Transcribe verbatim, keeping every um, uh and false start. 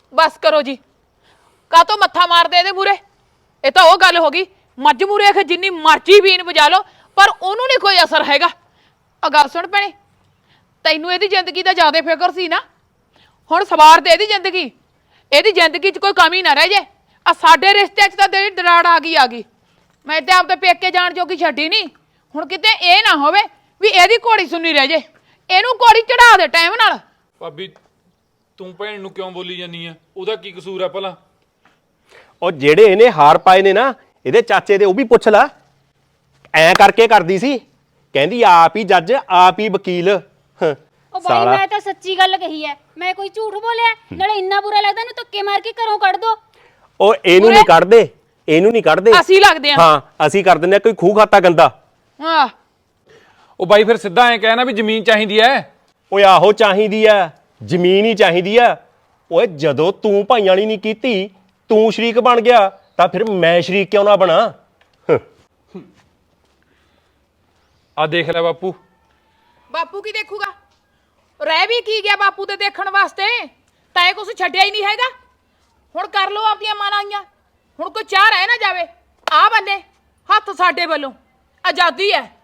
बस करो जी का तो मत्था मार दे मूरे ये तो गल हो गई मझ मूरे आखे जिन्नी मर्जी बीन बजा लो पर उन्होंने नहीं कोई असर हैगा। आ गल सुन भैणे तैनू इहदी जिंदगी का ज्यादा फिक्र सी ना हुण सवार दे इहदी जिंदगी इहदी जिंदगी च कोई कमी ना रह जाए। आ साडे रिश्ते च तां तेरी दराड़ आ गई आ गई मैं ते आपदे पेके जाण जोगी छड्डी नहीं हुण किते इह ना होवे भी इहदी घोड़ी सुन्नी रह जाए इहनू घोड़ी चढ़ा दे टाइम नाल। भाबी तू भैन नूं क्यों बोली जानी है ਉਹਦਾ ਕੀ ਕਸੂਰ है भला। ਉਹ ਜਿਹੜੇ ਇਹਨੇ ਹਾਰ ਪਾਏ ਨੇ ਨਾ ਇਹਦੇ ਚਾਚੇ ਦੇ ਉਹ ਵੀ ਪੁੱਛ ਲੈ ਐ ਕਰਕੇ ਕਰਦੀ ਸੀ ਕਹਿੰਦੀ ਆਪ ਹੀ ਜੱਜ ਆਪ ਹੀ ਵਕੀਲ। ਉਹ ਬਾਈ ਮੈਂ ਤਾਂ ਸੱਚੀ ਗੱਲ ਕਹੀ ਐ ਮੈਂ ਕੋਈ ਝੂਠ ਬੋਲਿਆ ਨਾਲੇ ਇੰਨਾ ਬੁਰਾ ਲੱਗਦਾ ਇਹਨੂੰ ਧੱਕੇ ਮਾਰ ਕੇ ਘਰੋਂ ਕੱਢ ਦੋ। ਉਹ ਇਹਨੂੰ ਨਹੀਂ ਕੱਢਦੇ ਇਹਨੂੰ ਨਹੀਂ ਕੱਢਦੇ ਅਸੀਂ ਲੱਗਦੇ ਹਾਂ ਹਾਂ ਅਸੀਂ ਕਰ ਦਿੰਦੇ ਕੋਈ ਖੂਹ ਖਾਤਾ ਗੰਦਾ। ਹਾਂ ਉਹ ਬਾਈ ਫਿਰ ਸਿੱਧਾ ਐ ਕਹਿਣਾ ਵੀ ਜ਼ਮੀਨ ਚਾਹੀਦੀ ਐ। ਓਏ ਆਹੋ ਚਾਹੀਦੀ ਐ ਜ਼ਮੀਨ ਹੀ ਚਾਹੀਦੀ ਐ। ਓਏ ਜਦੋਂ ਤੂੰ ਭਾਈਆਂ ਵਾਲੀ ਨਹੀਂ ਕੀਤੀ ਤੂੰ ਸ਼ਰੀਕ ਬਣ ਗਿਆ ਤਾਂ ਫਿਰ ਮੈਂ ਸ਼ਰੀਕ ਕਿਉਂ ਨਾ ਬਣਾ। ਆ ਦੇਖ ਲੈ ਬਾਪੂ ਬਾਪੂ ਕੀ ਦੇਖੂਗਾ ਰਹਿ ਵੀ ਕੀ ਗਿਆ ਬਾਪੂ ਤੇ ਦੇਖਣ ਵਾਸਤੇ ਤਾਂ ਇਹ ਕੁਛ ਛੱਡਿਆ ਹੀ ਨਹੀਂ ਹੈਗਾ। ਹੁਣ ਕਰ ਲਓ ਆਪਣੀਆਂ ਮਨਾਈਆਂ ਹੁਣ ਕੋਈ ਚਾਹ ਰਹਿ ਨਾ ਜਾਵੇ ਆ ਬੰਦੇ ਹੱਥ ਸਾਡੇ ਵੱਲੋਂ ਆਜ਼ਾਦੀ ਹੈ।